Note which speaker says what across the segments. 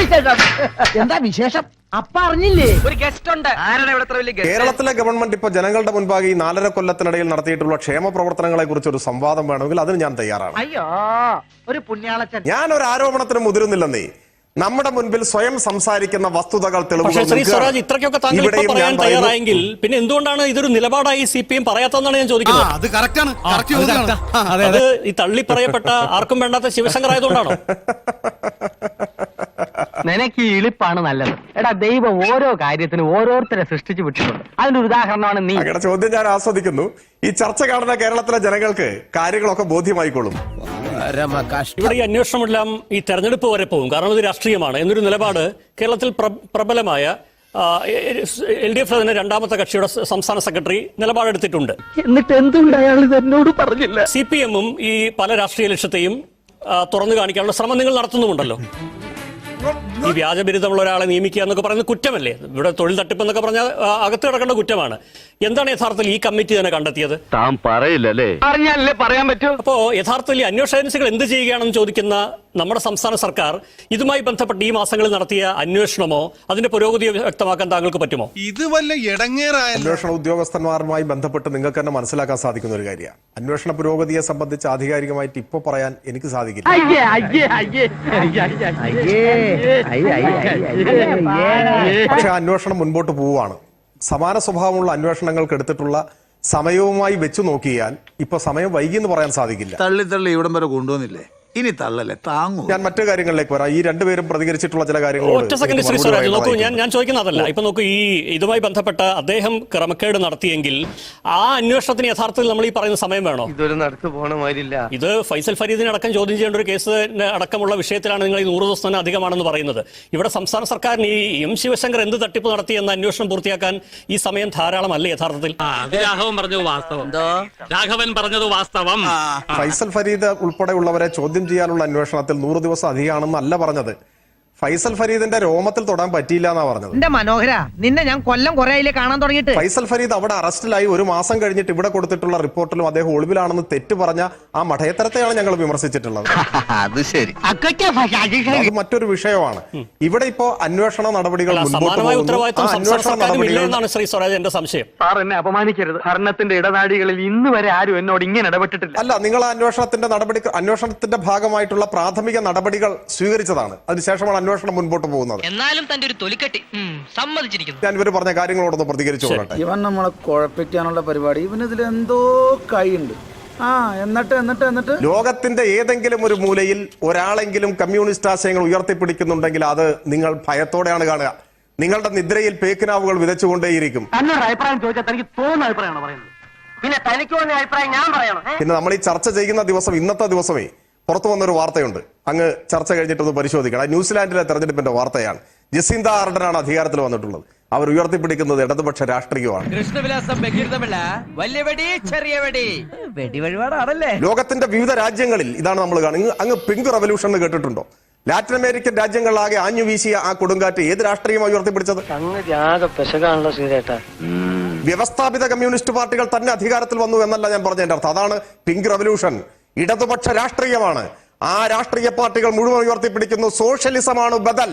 Speaker 1: എന്താ വിശേഷം? അപ്പ അറിഞ്ഞില്ലേ?
Speaker 2: ഒരു ഗസ്റ്റ് ഉണ്ട്. ആരാണ് ഇവിടെ വലിയ ഗസ്റ്റ്?
Speaker 3: കേരളത്തിലെ ഗവൺമെന്റ് ഇപ്പൊ ജനങ്ങളുടെ മുൻപാകെ ഈ 4.5 കൊല്ലത്തിനിടയിൽ നടത്തിയിട്ടുള്ള ക്ഷേമ പ്രവർത്തനങ്ങളെ കുറിച്ച് ഒരു സംവാദം വേണമെങ്കിൽ അതിന് ഞാൻ തയ്യാറാണ്.
Speaker 1: അയ്യോ, ഒരു പുണ്യാളച്ചൻ.
Speaker 3: ഞാൻ ഒരു ആരോപണത്തിന് മുതിരുന്നില്ലെന്നേ. നമ്മുടെ മുൻപിൽ സ്വയം സംസാരിക്കുന്ന വസ്തുതകൾ
Speaker 4: പക്ഷേ ശ്രീ സ്വരാജ് ഇത്രയ്ക്കൊക്കെ താങ്കൾ ഇപ്പോൾ പറയാൻ തയ്യാറായെങ്കിൽ പിന്നെ എന്തുകൊണ്ടാണ് ഇതൊരു നിലപാടായി CPM പറയാത്തതെന്നാണ് ഞാൻ ചോദിക്കുന്നത്. അത് ഈ തള്ളി പറയപ്പെട്ട ആർക്കും വേണ്ടാത്ത ശിവശങ്കർ ആയതുകൊണ്ടാണോ?
Speaker 2: നിനക്ക് ഈ ഇളിപ്പാണ് നല്ലത്. എടാ, ദൈവം ഓരോ കാര്യത്തിനും ഓരോരുത്തരെ സൃഷ്ടിച്ചു വിട്ടിട്ടുണ്ട്. അതിന്റെ ഉദാഹരണമാണ് നീ.
Speaker 3: അങ്ങയുടെ ചോദ്യം ഞാൻ ആസ്വദിക്കുന്നു. ഈ ചർച്ച കാണുന്ന കേരളത്തിലെ ജനങ്ങൾക്ക് കാര്യങ്ങളൊക്കെ ബോധ്യമായിക്കൊള്ളും.
Speaker 4: ഇവിടെ ഈ അന്വേഷണമെല്ലാം ഈ തെരഞ്ഞെടുപ്പ് വരെ പോകും, കാരണം ഇത് രാഷ്ട്രീയമാണ് എന്നൊരു നിലപാട് കേരളത്തിൽ പ്രബലമായ LDF തന്നെ രണ്ടാമത്തെ കക്ഷിയുടെ സംസ്ഥാന സെക്രട്ടറി നിലപാടെടുത്തിട്ടുണ്ട്.
Speaker 1: എന്നിട്ട് എന്തുകൊണ്ട് അയാൾ ഇത് എന്നോട് പറഞ്ഞില്ല?
Speaker 4: CPM-ഉം ഈ പല രാഷ്ട്രീയ ലക്ഷ്യത്തെയും തുറന്നു കാണിക്കാനുള്ള ശ്രമം നിങ്ങൾ നടത്തുന്നുമുണ്ടല്ലോ. ഈ വ്യാജബിരുദമുള്ള ഒരാളെ നിയമിക്കുക എന്നൊക്കെ പറയുന്നത് കുറ്റമല്ലേ? ഇവിടെ തൊഴിൽ തട്ടിപ്പ് എന്നൊക്കെ പറഞ്ഞാൽ അകത്ത് കിടക്കേണ്ട കുറ്റമാണ്. എന്താണ് യഥാർത്ഥത്തിൽ ഈ കമ്മിറ്റി തന്നെ കണ്ടെത്തിയത്?
Speaker 5: താൻ പറയില്ലല്ലേ?
Speaker 2: അറിഞ്ഞാലേ പറയാൻ പറ്റൂ.
Speaker 4: അപ്പോ യഥാർത്ഥത്തിൽ ഈ അന്വേഷണ ഏജൻസികൾ എന്ത് ചെയ്യുകയാണെന്ന് ചോദിക്കുന്ന നമ്മുടെ സംസ്ഥാന സർക്കാർ ഇതുമായി ബന്ധപ്പെട്ട് ഈ മാസങ്ങളിൽ നടത്തിയ അന്വേഷണമോ അതിന്റെ പുരോഗതിയോ വ്യക്തമാക്കാൻ താങ്കൾക്ക് പറ്റുമോ?
Speaker 6: ഇത് വല്ല ഇടങ്ങേറായ
Speaker 3: അന്വേഷണ ഉദ്യോഗസ്ഥന്മാരുമായി ബന്ധപ്പെട്ട് നിങ്ങൾക്ക് തന്നെ മനസ്സിലാക്കാൻ സാധിക്കുന്ന ഒരു കാര്യമാണ്. അന്വേഷണ പുരോഗതിയെ സംബന്ധിച്ച് ആധികാരികമായിട്ട് ഇപ്പൊ പറയാൻ എനിക്ക് സാധിക്കില്ല. പക്ഷെ അന്വേഷണം മുൻപോട്ട് പോവുകയാണ്. സമാന സ്വഭാവമുള്ള അന്വേഷണങ്ങൾക്ക് എടുത്തിട്ടുള്ള സമയവുമായി വെച്ചു നോക്കിയാൽ ഇപ്പൊ സമയം വൈകി എന്ന് പറയാൻ സാധിക്കില്ല.
Speaker 6: തള്ളി ഇവിടം വരെ കൊണ്ടുവന്നില്ലേ, ഇനി തള്ളല്ലേ താങ്ങൂ.
Speaker 3: ഞാൻ മറ്റു കാര്യങ്ങളിലേക്ക് വരാം. ഈ രണ്ടുപേരും പ്രതികരിച്ചിട്ടുള്ള ചില കാര്യങ്ങൾ
Speaker 4: ഒറ്റ സെക്കൻഡ് ശ്രീ സ്വരാജ് നോക്കൂ, ഞാൻ ചോദിക്കുന്ന അതല്ല. ഇപ്പൊ നോക്കൂ, ഈ ഇതുമായി ബന്ധപ്പെട്ട അദ്ദേഹം ക്രമക്കേട് നടത്തിയെങ്കിൽ ആ അന്വേഷണത്തിന് യഥാർത്ഥത്തിൽ നമ്മൾ ഈ പറയുന്ന സമയം വേണോ?
Speaker 2: ഇതൊരു നടത്തു പോണ മാതിരില്ല.
Speaker 4: ഇത് ഫൈസൽ ഫരീദിനെ അടക്കം ചോദ്യം ചെയ്യേണ്ട ഒരു കേസ് അടക്കമുള്ള വിഷയത്തിലാണ് നിങ്ങൾ ഈ 100 ദിവസം തന്നെ അധികമാണെന്ന് പറയുന്നത്. ഇവിടെ സംസ്ഥാന സർക്കാരിന് ഈ M. ശിവശങ്കർ എന്ത് തട്ടിപ്പ് നടത്തി എന്ന അന്വേഷണം പൂർത്തിയാക്കാൻ ഈ സമയം ധാരാളമല്ലേ യഥാർത്ഥത്തിൽ?
Speaker 5: രാഘവൻ പറഞ്ഞത് വാസ്തവം.
Speaker 3: ഫൈസൽ ഫരീദ് ഉൾപ്പെടെയുള്ളവരെ ചോദ്യം ചെയ്യാനുള്ള അന്വേഷണത്തിൽ 100 ദിവസം അധികമാണെന്നല്ല പറഞ്ഞത്. ഫൈസൽ ഫരീദിന്റെ രോമത്തിൽ തൊടാൻ പറ്റിയില്ല എന്നാ പറഞ്ഞത്.
Speaker 1: എന്റെ മനോഹര, നിന്നെ ഞാൻ കൊല്ലം കുറെ ആയില്ലേ കാണാൻ തുടങ്ങിയിട്ട്.
Speaker 3: ഫൈസൽ ഫരീദ് അവിടെ അറസ്റ്റിലായി 1 മാസം കഴിഞ്ഞിട്ട് ഇവിടെ കൊടുത്തിട്ടുള്ള റിപ്പോർട്ടിലും അദ്ദേഹം ഒളിവിലാണെന്ന് തെറ്റ് പറഞ്ഞ ആ മഠയത്തരത്തെയാണ് ഞങ്ങൾ വിമർശിച്ചിട്ടുള്ളത്.
Speaker 5: അത് ശരി,
Speaker 3: അത് മറ്റൊരു വിഷയമാണ്. ഇവിടെ ഇപ്പോ അന്വേഷണ നടപടികൾ
Speaker 4: ശ്രീ സ്വരാജ് എന്റെ സംശയം.
Speaker 2: സാർ എന്നെ അപമാനിക്കരുത്. ഭരണത്തിന്റെ ഇടനാടികളിൽ ഇന്ന് വരെ ആരും എന്നോട് ഇങ്ങനെ ഇടപെട്ടിട്ടില്ല.
Speaker 3: അല്ല, നിങ്ങൾ അന്വേഷണത്തിന്റെ ഭാഗമായിട്ടുള്ള പ്രാഥമിക നടപടികൾ സ്വീകരിച്ചതാണ്. അതിനുശേഷമാണ് അന്വേഷണം മുൻപോട്ട് പോകുന്നത്.
Speaker 7: എന്നാലും തന്റെ ഒരു തൊലിക്കെട്ടി സമ്മതിച്ചിരിക്കുന്നു.
Speaker 3: ഞാൻ ഇവർ പറഞ്ഞ കാര്യങ്ങളോടൊന്ന് പ്രതികരിച്ചു കൊള്ളട്ടെ.
Speaker 8: ഇവൻ നമ്മളെ കുഴപ്പിക്കാനുള്ള പരിപാടി, ഇവനിതിൽ എന്തോ കൈയുണ്ട്. എന്നിട്ട്
Speaker 3: ലോകത്തിന്റെ ഏതെങ്കിലും ഒരു മൂലയിൽ ഒരാളെങ്കിലും കമ്മ്യൂണിസ്റ്റ് ആശയങ്ങൾ ഉയർത്തിപ്പിടിക്കുന്നുണ്ടെങ്കിൽ അത് നിങ്ങൾ ഭയത്തോടെയാണ് കാണുക. നിങ്ങളുടെ നിദ്രയിൽ പേക്കിനാവുകൾ വിതച്ചുകൊണ്ടേയിരിക്കും.
Speaker 2: തന്നൊരു അഭിപ്രായം ചോദിച്ചാൽ തനിക്ക് തോന്നുന്ന അഭിപ്രായമാണ് പറയുന്നത്. പിന്നെ തനിക്ക് തോന്നിയ അഭിപ്രായം ഞാൻ പറയണം.
Speaker 3: പിന്നെ നമ്മൾ ഈ ചർച്ച ചെയ്യുന്ന ദിവസം, ഇന്നത്തെ ദിവസമേ പുറത്തു വന്നൊരു വാർത്തയുണ്ട്. അങ്ങ് ചർച്ച കഴിഞ്ഞിട്ടൊന്ന് പരിശോധിക്കണം. ന്യൂസിലാൻഡിലെ തെരഞ്ഞെടുപ്പിന്റെ വാർത്തയാണ്. ജസീന്ത ആർഡനാണ് അധികാരത്തിൽ വന്നിട്ടുള്ളത്. അവർ ഉയർത്തിപ്പിടിക്കുന്നത് ഇടതുപക്ഷ രാഷ്ട്രീയമാണ്. ലോകത്തിന്റെ വിവിധ രാജ്യങ്ങളിൽ ഇതാണ് നമ്മൾ കാണുന്നത്. അങ്ങ് പിങ്ക് റവല്യൂഷൻ എന്ന് കേട്ടിട്ടുണ്ടോ? ലാറ്റിൻ അമേരിക്കൻ രാജ്യങ്ങളിലാകെ ആഞ്ഞു വീശിയ ആ കൊടുങ്കാറ്റ് ഏത് രാഷ്ട്രീയമാണ് ഉയർത്തിപ്പിടിച്ചത്? വ്യവസ്ഥാപിത കമ്മ്യൂണിസ്റ്റ് പാർട്ടികൾ തന്നെ അധികാരത്തിൽ വന്നു എന്നല്ല ഞാൻ പറഞ്ഞതിന്റെ അർത്ഥം. അതാണ് പിങ്ക് റവല്യൂഷൻ. ഇടതുപക്ഷ രാഷ്ട്രീയമാണ്. ആ രാഷ്ട്രീയ പാർട്ടികൾ മുഴുവൻ ഉയർത്തിപ്പിടിക്കുന്നു സോഷ്യലിസമാണ് ബദൽ.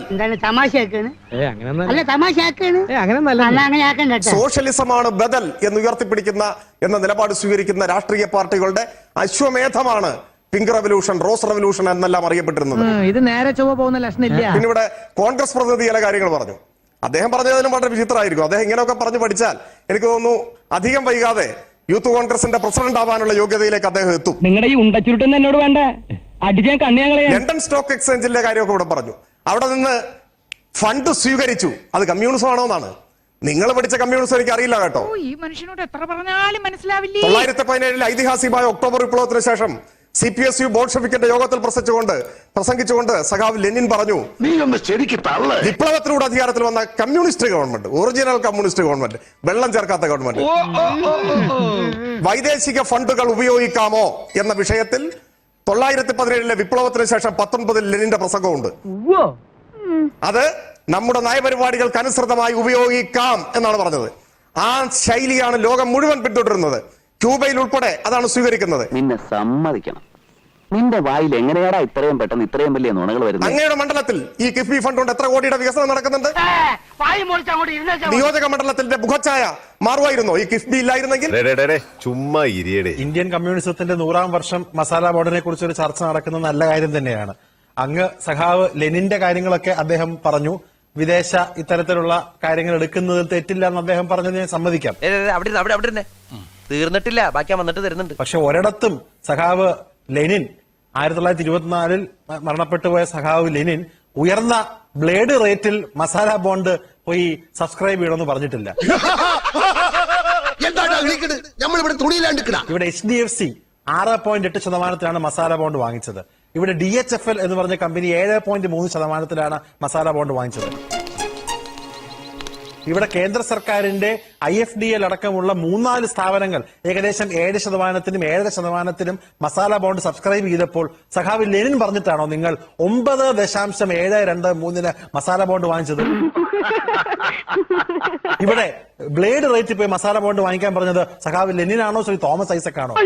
Speaker 3: സോഷ്യലിസമാണ് ബദൽ എന്ന് ഉയർത്തിപ്പിടിക്കുന്ന എന്ന നിലപാട് സ്വീകരിക്കുന്ന രാഷ്ട്രീയ പാർട്ടികളുടെ അശ്വമേധമാണ് പിങ്ക് റവല്യൂഷൻ, റോസ് റവല്യൂഷൻ എന്നെല്ലാം അറിയപ്പെട്ടിരുന്നത്.
Speaker 1: ഇത് നേരെ ചൊവ്വ പോകുന്ന ലക്ഷണമില്ല.
Speaker 3: പിന്നെ ഇവിടെ കോൺഗ്രസ് പ്രതിനിധി ചില കാര്യങ്ങൾ പറഞ്ഞു. അദ്ദേഹം പറഞ്ഞതിനും വളരെ വിചിത്രമായിരിക്കും. അദ്ദേഹം ഇങ്ങനെയൊക്കെ പറഞ്ഞു പഠിച്ചാൽ എനിക്ക് തോന്നുന്നു അധികം വൈകാതെ യൂത്ത് കോൺഗ്രസിന്റെ പ്രസിഡന്റ് ആവാനുള്ള യോഗ്യതയിലേക്ക് അദ്ദേഹം എത്തും.
Speaker 2: നിങ്ങളുടെ ഈ ഉണ്ടച്ചുരുട്ടെന്ന് എന്നോട് വേണ്ട, അടിച്ചാൻ കണ്ണിയാങ്ങളെ.
Speaker 3: ലണ്ടൻ സ്റ്റോക്ക് എക്സ്ചേഞ്ചിന്റെ കാര്യമൊക്കെ ഇവിടെ പറഞ്ഞു. അവിടെ നിന്ന് ഫണ്ട് സ്വീകരിച്ചു. അത് കമ്മ്യൂണിസം ആണോ എന്നാണ്. നിങ്ങൾ പഠിച്ച കമ്മ്യൂണിസം എനിക്ക് അറിയില്ല കേട്ടോ.
Speaker 1: ഈ മനുഷ്യനോട് എത്ര പറഞ്ഞാലും മനസ്സിലാവില്ല.
Speaker 3: 1917 ഐതിഹാസികമായ ഒക്ടോബർ വിപ്ലവത്തിന് ശേഷം CPSU ബോൾഷെവിക്കിന്റെ യോഗത്തിൽ പ്രസംഗിച്ചുകൊണ്ട് സഖാവ് ലെനിൻ പറഞ്ഞു, വിപ്ലവത്തിലൂടെ അധികാരത്തിൽ വന്ന communist government, original communist government, വെള്ളം ചേർക്കാത്ത ഗവൺമെന്റ്, വൈദേശിക ഫണ്ടുകൾ ഉപയോഗിക്കാമോ എന്ന വിഷയത്തിൽ 1917 വിപ്ലവത്തിന് ശേഷം 19 ലെനിന്റെ പ്രസംഗമുണ്ട്. അത് നമ്മുടെ നയപരിപാടികൾക്ക് അനുസൃതമായി ഉപയോഗിക്കാം എന്നാണ് പറഞ്ഞത്. ആ ശൈലിയാണ് ലോകം മുഴുവൻ പിന്തുടരുന്നത്. ക്യൂബയിൽ ഉൾപ്പെടെ അതാണ് സ്വീകരിക്കുന്നത്.
Speaker 5: നിന്നെ സമ്മതിക്കണം.
Speaker 2: നിന്റെ വായിൽ എങ്ങനെയാടാ ഇത്രയും പെട്ടെന്ന് ഇത്രയും വലിയ നുണകൾ വരുന്നത്?
Speaker 3: അങ്ങയുടെ മണ്ഡലത്തിൽ ഈ കിഫ്ബി ഫണ്ട് കൊണ്ട് എത്ര കോടിയുടെ വികസനം നടക്കുന്നുണ്ട്? നിയോജക മണ്ഡലത്തിന്റെ മുഖച്ഛായ മാറുമായിരുന്നോ ഈ കിഫ്ബി ഇല്ലായിരുന്നെങ്കിൽ?
Speaker 5: ചുമ്മാ ഇരിയടേ.
Speaker 6: ഇന്ത്യൻ കമ്മ്യൂണിസത്തിന്റെ 100ാം വർഷം മസാല ബോർഡിനെ കുറിച്ച് ഒരു ചർച്ച നടക്കുന്നത് നല്ല കാര്യം തന്നെയാണ്. അങ്ങ് സഖാവ് ലെനിന്റെ കാര്യങ്ങളൊക്കെ അദ്ദേഹം പറഞ്ഞു. വിദേശ ഇത്തരത്തിലുള്ള കാര്യങ്ങൾ എടുക്കുന്നതിൽ തെറ്റില്ല എന്ന് അദ്ദേഹം പറഞ്ഞത് ഞാൻ സമ്മതിക്കാം.
Speaker 7: അവിടെ തീർന്നിട്ടില്ല, ബാക്കി വന്നിട്ട് തരുന്നുണ്ട്.
Speaker 6: പക്ഷെ ഒരിടത്തും സഖാവ് ലെനിൻ 1924 മരണപ്പെട്ടു പോയ സഖാവ് ലെനിൻ ഉയർന്ന ബ്ലേഡ് റേറ്റിൽ മസാല ബോണ്ട് പോയി സബ്സ്ക്രൈബ് ചെയ്യണമെന്ന് പറഞ്ഞിട്ടില്ല. ഇവിടെ HDFC 6.8% മസാല ബോണ്ട് വാങ്ങിച്ചത്. ഇവിടെ DHFL എന്ന് പറഞ്ഞ കമ്പനി 7.3% മസാല ബോണ്ട് വാങ്ങിച്ചത്. ഇവിടെ കേന്ദ്ര സർക്കാരിന്റെ IFDL അടക്കമുള്ള 3-4 സ്ഥാപനങ്ങൾ ഏകദേശം 7%-നും 7.5%-നും മസാല ബോണ്ട് സബ്സ്ക്രൈബ് ചെയ്തപ്പോൾ സഖാവ് ലെനിൻ പറഞ്ഞിട്ടാണോ നിങ്ങൾ 9.723-ന് മസാല ബോണ്ട് വാങ്ങിച്ചത്? ഇവിടെ ബ്ലേഡ് റേറ്റ് പോയി മസാല ബോണ്ട് വാങ്ങിക്കാൻ പറഞ്ഞത് സഖാവ് ലെനിനാണോ ശ്രീ തോമസ് ഐസക് ആണോ?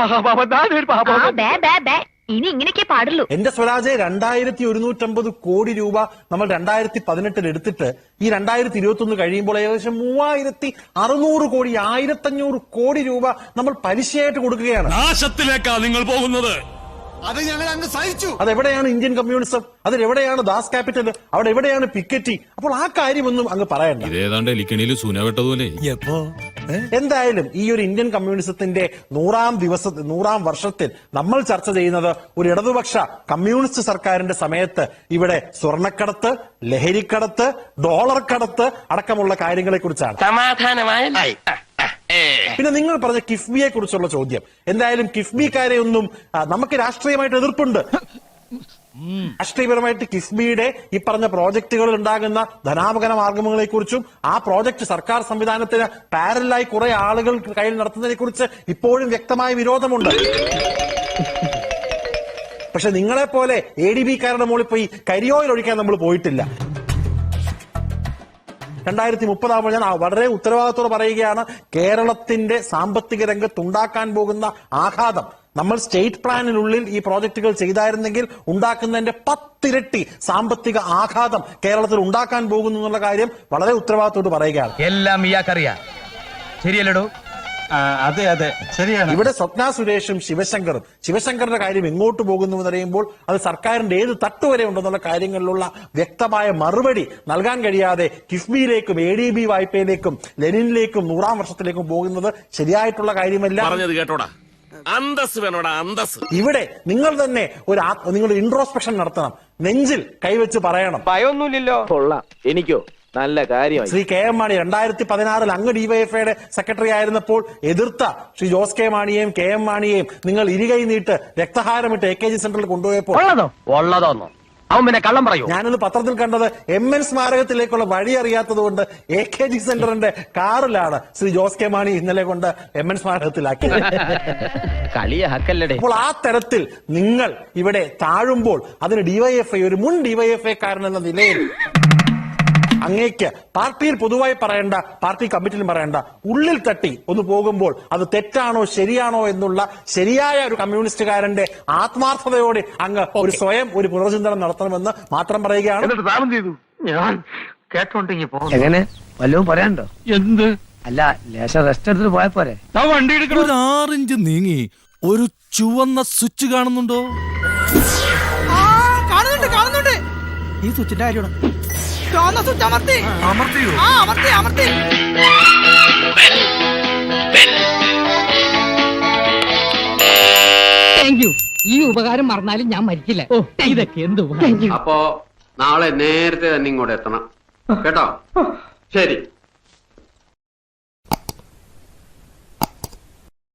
Speaker 9: ഇനി ഇങ്ങനെയൊക്കെ പാടുള്ളൂ.
Speaker 6: എന്റെ സ്വരാജ് 2150 കോടി രൂപ നമ്മൾ 2018 എടുത്തിട്ട് ഈ 2021 കഴിയുമ്പോൾ ഏകദേശം 3600 കോടി 1500 കോടി രൂപ നമ്മൾ പലിശയായിട്ട് കൊടുക്കുകയാണ്.
Speaker 5: നാശത്തിലേക്കാ നിങ്ങൾ പോകുന്നത്.
Speaker 6: അത് ഞങ്ങൾ അങ്ങ് സഹിച്ചു. അതെവിടെയാണ് ഇന്ത്യൻ കമ്മ്യൂണിസം? അതിലെവിടെയാണ് ദാസ് ക്യാപിറ്റൽ? അവിടെ എവിടെയാണ് പിക്കറ്റി? അപ്പോൾ ആ കാര്യമൊന്നും അങ്ങ് പറയണ്ട. എന്തായാലും ഈ ഒരു ഇന്ത്യൻ കമ്മ്യൂണിസത്തിന്റെ 100ാം വർഷത്തിൽ നമ്മൾ ചർച്ച ചെയ്യുന്നത് ഒരു ഇടതുപക്ഷ കമ്മ്യൂണിസ്റ്റ് സർക്കാരിന്റെ സമയത്ത് ഇവിടെ സ്വർണ്ണക്കടത്ത്, ലഹരിക്കടത്ത്, ഡോളർ കടത്ത് അടക്കമുള്ള കാര്യങ്ങളെ കുറിച്ചാണ്.
Speaker 7: സമാധാനമായി.
Speaker 6: പിന്നെ നിങ്ങൾ പറഞ്ഞ കിഫ്ബിയെ കുറിച്ചുള്ള ചോദ്യം, എന്തായാലും കിഫ്ബിക്കാരെ ഒന്നും നമുക്ക് രാഷ്ട്രീയമായിട്ട് എതിർപ്പുണ്ട്. രാഷ്ട്രീയപരമായിട്ട് കിഫ്ബിയുടെ ഈ പറഞ്ഞ പ്രോജക്ടുകളിൽ ഉണ്ടാകുന്ന ധനാപകര മാർഗങ്ങളെ കുറിച്ചും ആ പ്രോജക്ട് സർക്കാർ സംവിധാനത്തിന് പാരലായി കുറെ ആളുകൾ കയ്യിൽ നടത്തുന്നതിനെ കുറിച്ച് ഇപ്പോഴും വ്യക്തമായ വിരോധമുണ്ട്. പക്ഷെ നിങ്ങളെ പോലെ ADB-കാരുടെ മുകളിൽ പോയി കരിയോയിൽ ഒഴിക്കാൻ നമ്മൾ പോയിട്ടില്ല. 2030 ആകുമ്പോൾ ഞാൻ വളരെ ഉത്തരവാദിത്തോടെ പറയുകയാണ്, കേരളത്തിന്റെ സാമ്പത്തിക രംഗത്തുണ്ടാക്കാൻ പോകുന്ന ആഘാതം നമ്മൾ സ്റ്റേറ്റ് പ്ലാനിനുള്ളിൽ ഈ പ്രോജക്റ്റുകൾ ചെയ്തായിരുന്നെങ്കിൽ ഉണ്ടാക്കുന്നതിന്റെ 10 ഇരട്ടി സാമ്പത്തിക ആഘാതം കേരളത്തിൽ ഉണ്ടാക്കാൻ പോകുന്നു എന്നുള്ള കാര്യം വളരെ ഉത്തരവാദിത്തോട് പറയുകയാണ്.
Speaker 7: എല്ലാം ഇയാൾക്കറിയാം, ശരിയല്ലടോ?
Speaker 6: അതെ അതെ ശരിയാണ്. ഇവിടെ സ്വപ്ന സുരേഷും ശിവശങ്കറിന്റെ കാര്യം എങ്ങോട്ട് പോകുന്നു എന്നറിയുമ്പോൾ അത് സർക്കാരിന്റെ ഏത് തട്ടുവരെ ഉണ്ടെന്നുള്ള കാര്യങ്ങളിലുള്ള വ്യക്തമായ മറുപടി നൽകാൻ കഴിയാതെ കിഫ്ബിയിലേക്കും ADB വായ്പയിലേക്കും ലെനിനിലേക്കും 100ാം വർഷത്തിലേക്കും പോകുന്നത് ശരിയായിട്ടുള്ള കാര്യമല്ല.
Speaker 5: പറഞ്ഞത് കേട്ടോടാ, അന്തസ് വേണോടാ, അന്തസ്.
Speaker 6: ഇവിടെ നിങ്ങൾ തന്നെ നിങ്ങളുടെ ഇൻട്രോസ്പെക്ഷൻ നടത്തണം, നെഞ്ചിൽ കൈവച്ച് പറയണം.
Speaker 7: ഭയമൊന്നുമില്ലല്ലോ. കൊള്ളാം, എനിക്കോ നല്ല കാര്യമായി.
Speaker 6: ശ്രീ KM മാണി 2016 അങ്ങ് ഡിവൈഎഫ്ഐയുടെ സെക്രട്ടറി ആയിരുന്നപ്പോൾ എതിർത്ത ശ്രീ ജോസ് കെ മാണിയെയും KM മാണിയെയും നിങ്ങൾ ഇരുകൈ നീട്ട് രക്തഹാരമിട്ട് AKG സെന്ററിൽ കൊണ്ടുപോയപ്പോൾ
Speaker 2: ഉള്ളതോന്നോ അവൻ പിന്നെ കള്ളം പറയൂ.
Speaker 6: ഞാനിന്ന് പത്രത്തിൽ കണ്ടത് MN സ്മാരകത്തിലേക്കുള്ള വഴി അറിയാത്തത് കൊണ്ട് AKG സെന്ററിന്റെ കാറിലാണ് ശ്രീ ജോസ് കെ മാണി ഇന്നലെ കൊണ്ട് MN സ്മാരകത്തിലാക്കിയത്. അപ്പോൾ ആ തരത്തിൽ നിങ്ങൾ ഇവിടെ താഴുമ്പോൾ അതിന് ഡിവൈഎഫ്ഐ ഒരു മുൻ ഡിവൈഎഫ്ഐക്കാരൻ എന്ന നിലയിൽ അങ്ങേക്ക് പാർട്ടിയിൽ പൊതുവായി പറയേണ്ട, പാർട്ടി കമ്മിറ്റിയിലും പറയേണ്ട, ഉള്ളിൽ തട്ടി ഒന്ന് പോകുമ്പോൾ അത് തെറ്റാണോ ശരിയാണോ എന്നുള്ള ശരിയായ ഒരു കമ്മ്യൂണിസ്റ്റുകാരന്റെ ആത്മാർത്ഥതയോടെ അങ്ങ് ഒരു സ്വയം ഒരു പുനർചിന്തനം നടത്തണമെന്ന് മാത്രം പറയുകയാണ്.
Speaker 2: ഞാൻ കേട്ടോണ്ടെങ്കിൽ പോകും.
Speaker 1: എങ്ങനെ വല്ലതും പറയാനുണ്ടോ?
Speaker 2: എന്ത്?
Speaker 1: അല്ല, ലേശം റെസ്റ്റ് എടുത്തിട്ട് പോയാ പോരെ?
Speaker 2: വണ്ടി എടുക്കണം.
Speaker 5: 6 ഇഞ്ച് നീങ്ങി ഒരു ചുവന്ന സ്വിച്ച് കാണുന്നുണ്ടോ?
Speaker 1: കാണുന്നുണ്ട്. ഈ സ്വിച്ചിന്റെ കാര്യമാണ്. ഈ ഉപകാരം മറന്നാലും ഞാൻ മരിക്കില്ല. ഇതൊക്കെ എന്ത്
Speaker 10: അപ്പോ നാളെ നേരത്തെ തന്നെ ഇങ്ങോട്ട് എത്തണം കേട്ടോ? ശരി.